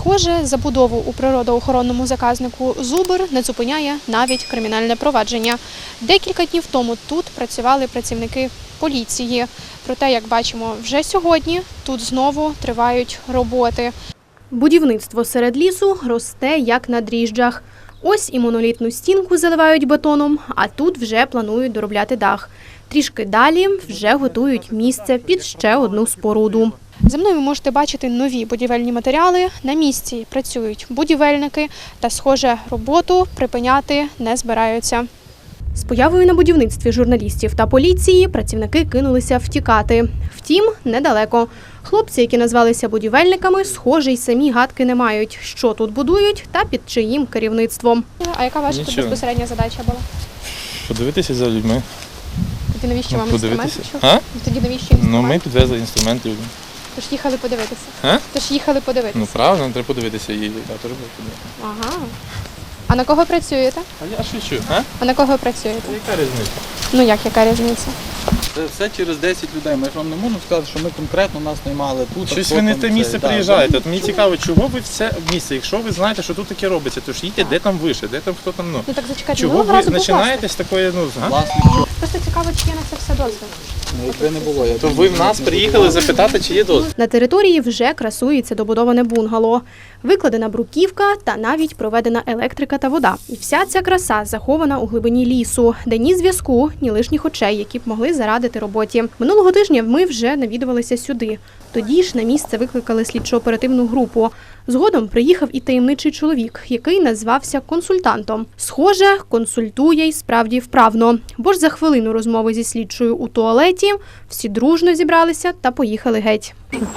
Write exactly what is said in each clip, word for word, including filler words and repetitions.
Схоже, забудову у природоохоронному заказнику «Зубр» не зупиняє навіть кримінальне провадження. Декілька днів тому тут працювали працівники поліції. Проте, як бачимо, вже сьогодні тут знову тривають роботи. Будівництво серед лісу росте як на дріжджах. Ось і монолітну стінку заливають бетоном, а тут вже планують доробляти дах. Трішки далі вже готують місце під ще одну споруду. За мною ви можете бачити нові будівельні матеріали. На місці працюють будівельники та, схоже, роботу припиняти не збираються. З появою на будівництві журналістів та поліції працівники кинулися втікати. Втім, недалеко. Хлопці, які назвалися будівельниками, схоже, й самі гадки не мають, що тут будують та під чиїм керівництвом. А яка ваша тут безпосередня задача була? Подивитися за людьми. Тоді навіщо вам інструменти? А? Тоді навіщо інструменти? Ну, ми підвезли інструмент людям. Тож їхали подивитися? А? Тож їхали подивитися? Ну, правильно, треба подивитися її. Я теж буду подивитися. Ага. А на кого працюєте? А я шучу, а? А на кого працюєте? Яка різниця? Ну як, яка різниця? Це все через десять людей. Ми ж вам не можемо сказати, що ми конкретно нас наймали тут. Щось ви не те місце приїжджаєте. От мені цікаво, чого ви все в місце, якщо ви знаєте, що тут таке робиться, то ж їдьте, де там вище, де там хто там, ну. Ну так зачекайте, Чого ви починаєте з такої, ну, а? Просто цікаво, чи є на це все дозвіл. Ну, якби не було, я То ви в нас приїхали запитати, чи є дозвіл. На території вже красується добудоване бунгало. Викладена бруківка та навіть проведена електрика та вода. І вся ця краса захована у глибині лісу, де ні зв'язку, ні лишніх очей, які б могли зарадити роботі. Минулого тижня ми вже навідувалися сюди. Тоді ж на місце викликали слідчо-оперативну групу. Згодом приїхав і таємничий чоловік, який назвався консультантом. Схоже, консультує й справді вправно. Бо ж за хвилину розмови зі слідчою у туалеті всі дружно зібралися та поїхали геть.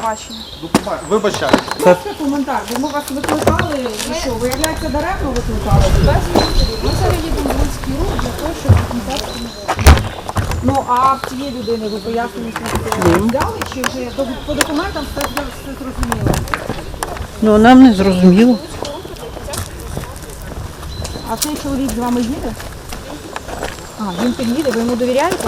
Вибачаю. Це коментар, бо ми вас викликали, і що, виявляється, даремно викликали? Ми зараз їдемо в Луцький рух для того, щоб контакт не було. Ну, а в цієї людини ви пояснення взяли, чи вже по документам все, все зрозуміло? Ну, нам не зрозуміло. А цей чоловік з вами їде? А, він під'їде, ви йому довіряєте?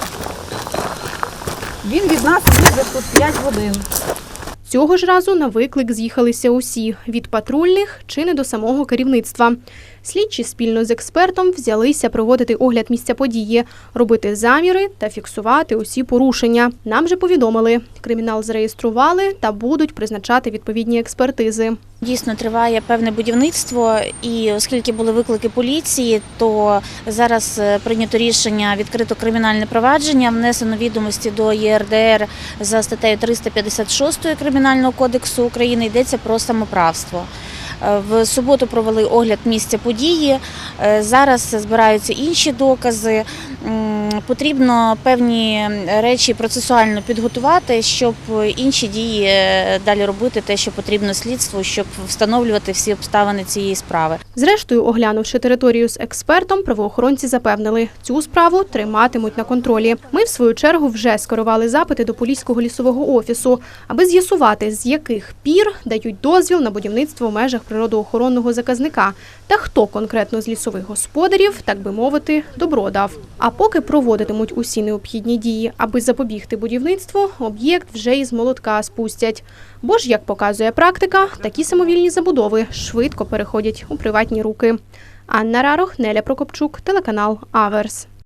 Він від нас їде тут п'ять годин. Цього ж разу на виклик з'їхалися усі – від патрульних чи не до самого керівництва. Слідчі спільно з експертом взялися проводити огляд місця події, робити заміри та фіксувати усі порушення. Нам же повідомили – кримінал зареєстрували та будуть призначати відповідні експертизи. Дійсно, триває певне будівництво, і оскільки були виклики поліції, то зараз прийнято рішення відкрито кримінальне провадження, внесено відомості до Є Ер Де Ер за статтею триста п'ятдесят шість Кримінального кодексу України, йдеться про самоправство. В суботу провели огляд місця події, зараз збираються інші докази. Потрібно певні речі процесуально підготувати, щоб інші дії далі робити, те, що потрібно слідству, щоб встановлювати всі обставини цієї справи. Зрештою, оглянувши територію з експертом, правоохоронці запевнили, цю справу триматимуть на контролі. Ми, в свою чергу, вже скерували запити до Поліського лісового офісу, аби з'ясувати, з яких пір дають дозвіл на будівництво в межах природоохоронного заказника та хто конкретно з лісових господарів, так би мовити, добро дав. А поки проводитимуть усі необхідні дії, аби запобігти будівництву, об'єкт вже із молотка спустять. Бо ж, як показує практика, такі самовільні забудови швидко переходять у приватні руки. Анна Рарох, Неля Прокопчук, телеканал Аверс.